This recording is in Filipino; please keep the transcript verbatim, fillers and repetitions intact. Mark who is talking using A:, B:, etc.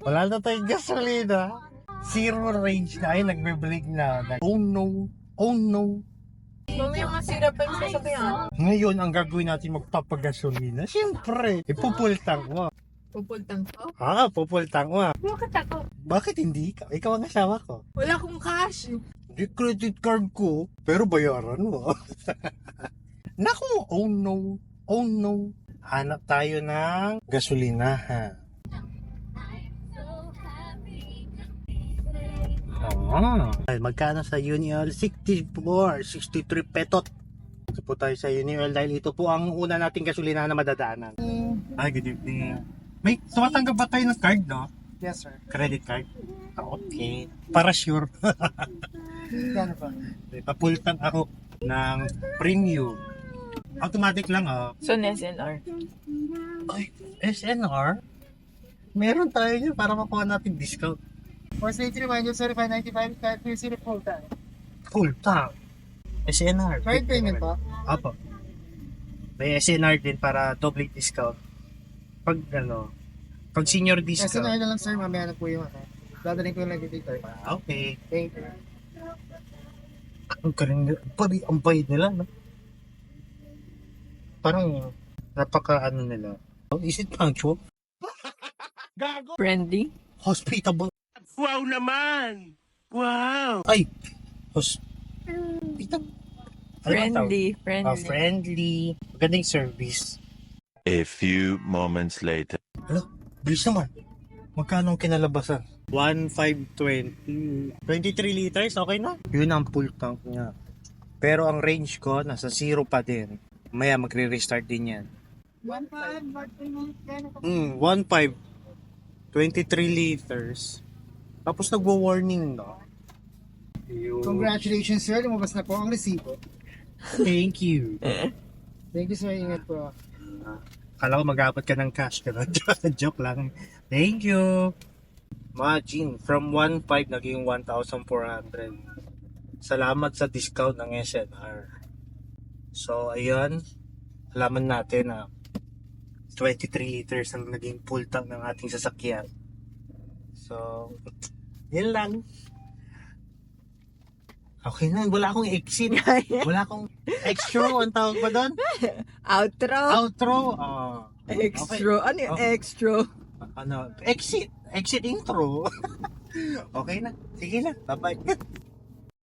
A: Wala na tayong gasolina. Zero range na. Ay, nagbe-break na. Oh no. Oh no.
B: Mamaya masira pa yung sasakyan.
A: Ngayon, ang gagawin natin magpapagasolina. Siyempre, ipupultang mo.
B: Pupultang ko?
A: Ah, pupultang mo.
B: Bakit ako?
A: Bakit hindi ka? Ikaw ang asawa ko.
B: Wala akong cash.
A: Di credit card ko, pero bayaran mo. Naku, oh no. Oh no. Hanap tayo ng gasolinahan. Ah, ay, magkano sa Unioil? sixty-four, sixty-three petot. Ito po tayo sa Unioil dahil ito po ang una nating gasolina na madadaanan. Ay, good evening. May tumatanggap ba tayo ng card, no?
C: Yes, sir.
A: Credit card? Ah, okay. Para sure.
C: Gano pa?
A: Papultan ako ng premium. Automatic lang, ah.
B: So, S L R.
A: Ay, S N R? Meron tayo yun para makuha natin discount.
C: For safety reminder, sir, five ninety-five, five thirty full time.
A: Full tank. S N R.
C: Card payment po?
A: Apo. May S N R din para double discount. Pag ano, pag senior
C: S N R
A: discount.
C: na lang, sir, mamaya na po yung ano. Dadaling ko yung nag-detail.
A: Ah, okay.
C: Thank you.
A: Ang galing nila. Pari, ang bayad nila, no? Parang, napaka ano nila. Oh, is it punctual?
B: Friendly?
A: Hospitable.
D: Wow naman! Wow!
A: Ay! Hospitable.
B: Friendly.
A: Ah,
B: Friendly.
A: friendly. Magandang service.
D: A few moments later.
A: Hala, bilis naman. Magkano ang kinalabasan? one five twenty. twenty-three liters, okay na? Yun ang full tank niya. Pero ang range ko, nasa zero pa din. Maya magre-restart din yan.
C: one five, what payment? Gano pa?
A: Hmm, one five. twenty-three liters. Tapos nagwo-warning, no? Yun.
C: Congratulations, sir. Lumabas na po ang resibo.
A: Thank you.
C: Thank you, sir. Ingat po.
A: Kala ko mag-abot ka ng cash ka na. Joke lang. Thank you. Imagine, from one five naging one thousand four hundred. Salamat sa discount ng S N R. So, ayun. Alaman natin na twenty-three liters ang naging full tank ng ating sasakyan. So, yun lang. Okay na, wala akong exit. Wala akong extra. Ang tawag ba doon?
B: Outro?
A: Outro. Ah.
B: Extra. Ano yung
A: Okay.
B: extra?
A: Ano? Exit. Exit intro. Okay na. Sige na. Bye-bye.